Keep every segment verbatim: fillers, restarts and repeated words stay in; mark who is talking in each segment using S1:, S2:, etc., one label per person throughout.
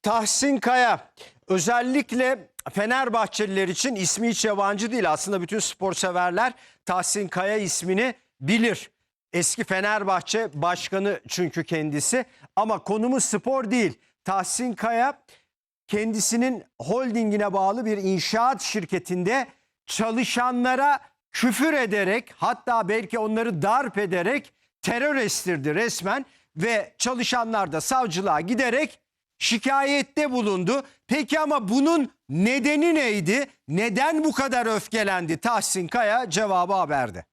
S1: Tahsin Kaya özellikle Fenerbahçeliler için ismi hiç yabancı değil. Aslında bütün spor severler Tahsin Kaya ismini bilir. Eski Fenerbahçe başkanı çünkü kendisi. Ama konumuz spor değil. Tahsin Kaya kendisinin holdingine bağlı bir inşaat şirketinde çalışanlara küfür ederek, hatta belki onları darp ederek terör estirdi resmen ve çalışanlar da savcılığa giderek şikayette bulundu. Peki ama bunun nedeni neydi? Neden bu kadar öfkelendi Tahsin Kaya? Cevabı haberde.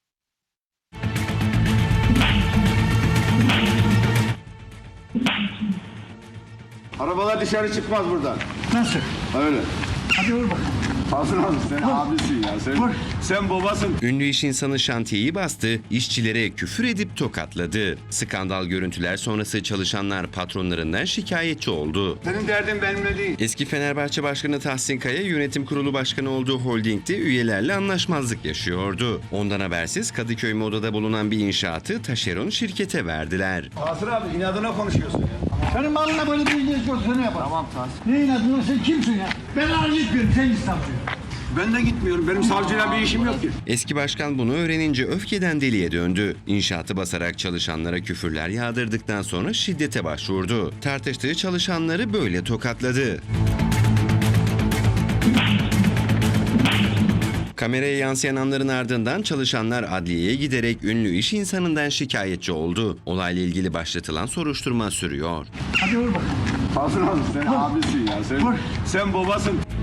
S2: Arabalar dışarı çıkmaz buradan.
S3: Nasıl?
S2: Öyle.
S3: Hadi vur bakalım.
S2: Hasan abi sen abisin ya. Sen,
S3: Vur.
S2: sen babasın.
S4: Ünlü iş insanı şantiyeyi bastı, işçilere küfür edip tokatladı. Skandal görüntüler sonrası çalışanlar patronlarından şikayetçi oldu.
S2: Senin derdin benimle değil.
S4: Eski Fenerbahçe Başkanı Tahsin Kaya yönetim kurulu başkanı olduğu holdingde üyelerle anlaşmazlık yaşıyordu. Ondan habersiz Kadıköy Moda'da bulunan bir inşaatı taşeron şirkete verdiler.
S2: Hasan abi inadına konuşuyorsun ya.
S3: Senin malına böyle bir ilginç görsene yapar.
S2: Tamam Tahsin.
S3: Ne inadına sen kimsin ya? Ben arz etmiyorum, sen git savcıya.
S2: Ben de gitmiyorum. Benim savcıyla bir işim yok ki.
S4: Eski başkan bunu öğrenince öfkeden deliye döndü. İnşaatı basarak çalışanlara küfürler yağdırdıktan sonra şiddete başvurdu. Tartıştığı çalışanları böyle tokatladı. Kameraya yansıyan anların ardından çalışanlar adliyeye giderek ünlü iş insanından şikayetçi oldu. Olayla ilgili başlatılan soruşturma sürüyor.
S3: Hadi vur bakalım.
S2: Hasan abi sen abisin ya. Sen,
S3: Vur.
S2: sen babasın.